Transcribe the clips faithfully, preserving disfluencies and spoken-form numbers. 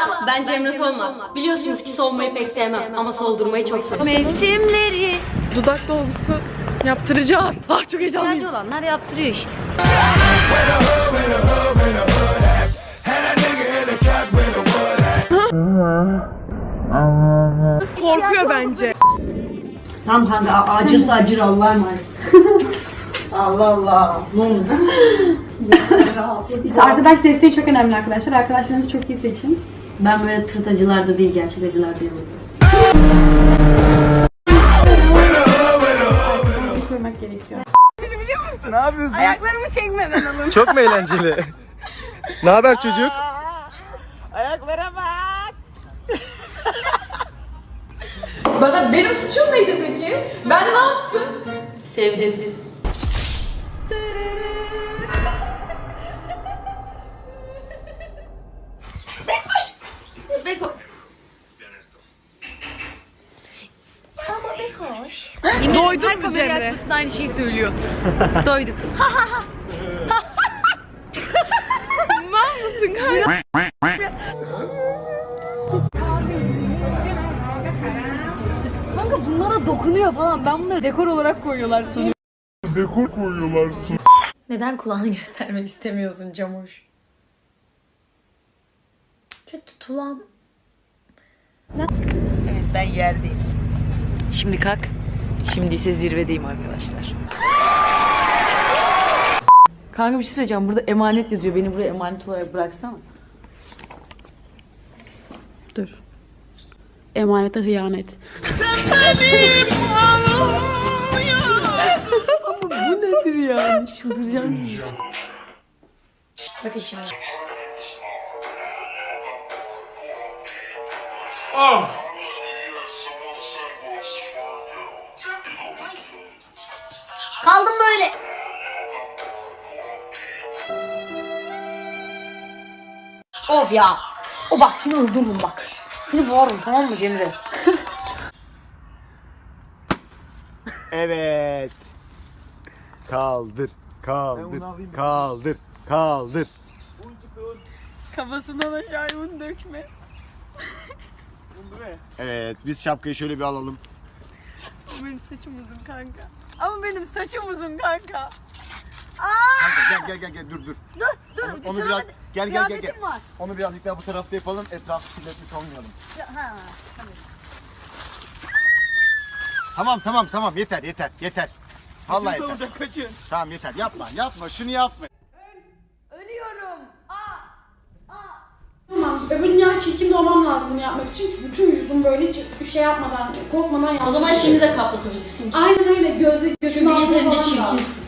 Merhaba, ben Cemre Solmaz. Biliyorsunuz ki solmayı pek sevmem ama soldurmayı çok severim. Mevsimleri. Dudak dolgusu yaptıracağız. Ah çok heyecanlıyım. İhtiyacı olanlar yaptırıyor işte. Korkuyor bence. Tamam kanka, acırsa acır, Allah'a emanet. Allah Allah. Ne oldu? İşte arkadaş desteği çok önemli arkadaşlar. Arkadaşlarınızı çok iyi seçin. Ben böyle tırt acılarda değil, gerçek acılarda yanıyorum. Koymak gerekiyor. Ne yapıyorsun? Ayaklarımı çekmeden alın. Çok mu eğlenceli? Ne haber çocuk? Ayaklara bak. Bana benim suçum neydi peki? Ben ne yaptım? Sevdim. Doydun mu Cemre? Açmasında aynı şeyi söylüyor. Doyduk. Mal mısın kanka? Kanka bunlara dokunuyor falan. Ben bunları dekor olarak koyuyorlar sanıyorum. Dekor koyuyorlar su. Neden kulağını göstermek istemiyorsun Camuş? Çok tutulan. Evet ben yerdeyim. Şimdi kalk. Şimdi ise zirvedeyim arkadaşlar. Kanka bir şey söyleyeceğim. Burada emanet yazıyor. Beni buraya emanet olarak bıraksana. Dur. Emanete hıyanet. Bu nedir ya? Çıldıracağım. Bakın şimdi. Kaldım böyle. Of ya. O bak seni öldürürüm bak. Seni boğarım tamam mı Cemre? Evet. Kaldır, kaldır, kaldır, kaldır. Kafasından aşağı un dökme. Evet, biz şapkayı şöyle bir alalım. O benim saçım uzun kanka. Ama benim saçım uzun kanka. Kanka gel gel gel gel dur dur. Dur dur. Onu, onu biraz gel gel gel gel. Var. Onu birazcık daha bu tarafta yapalım. Etrafı kirletmiş olmayalım. Ha. Tamam tamam tamam yeter yeter yeter. Vallahi yeter. Olacak kaçın. Tamam yeter yapma yapma şunu yapma. Tamam. Öbür dünya çirkin doğmam lazım bunu yapmak için. Bütün vücudum böyle hiç bir şey yapmadan, korkmadan yaptım. O zaman şimdi de kapatabilirsin. Aynen öyle. Gözü, gözünün Çünkü altına yeterince falan da. çirkinsin.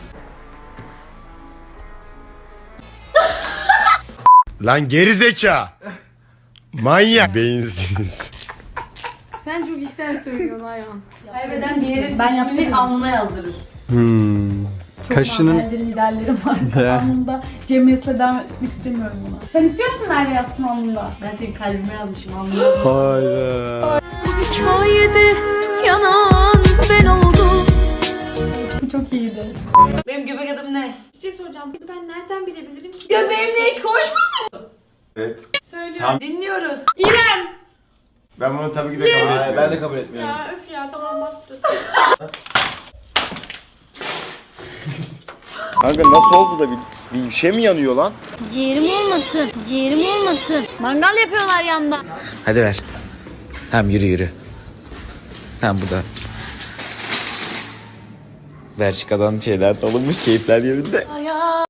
Lan gerizeka. Manyak. Beyinsiz. Sen çok işten söylüyorsun Ayhan. Kaybeden diğerin Ben ismini yaptım. alnına yazdırır. Hmm. Çok Kaşının... liderlerim var. Alnımda Cemre'yle devam etmek istemiyorum buna. Sen istiyor musun nerede yapsın alnında? Ben senin kalbime yazmışım, anlıyorum. Hayda. Hikayede yanan ben oldum. Çok iyiydi. Benim göbek adım ne? Bir şey soracağım. Ben nereden bilebilirim ki? Göbeğimle hiç konuşmadın. Evet. Söylüyorum. Tamam. Dinliyoruz. İrem! Ben bunu tabii ki de kabul etmiyorum. Ben de kabul etmiyorum. Ya öf ya tamam bastır. Kanka nasıl oldu da bir, bir şey mi yanıyor lan? Ciğerim olmasın. Ciğerim olmasın. Mangal yapıyorlar yanda. Hadi ver. Hem yürü yürü. Hem bu da. Belçika'dan şeyler alınmış, keyifler yerinde.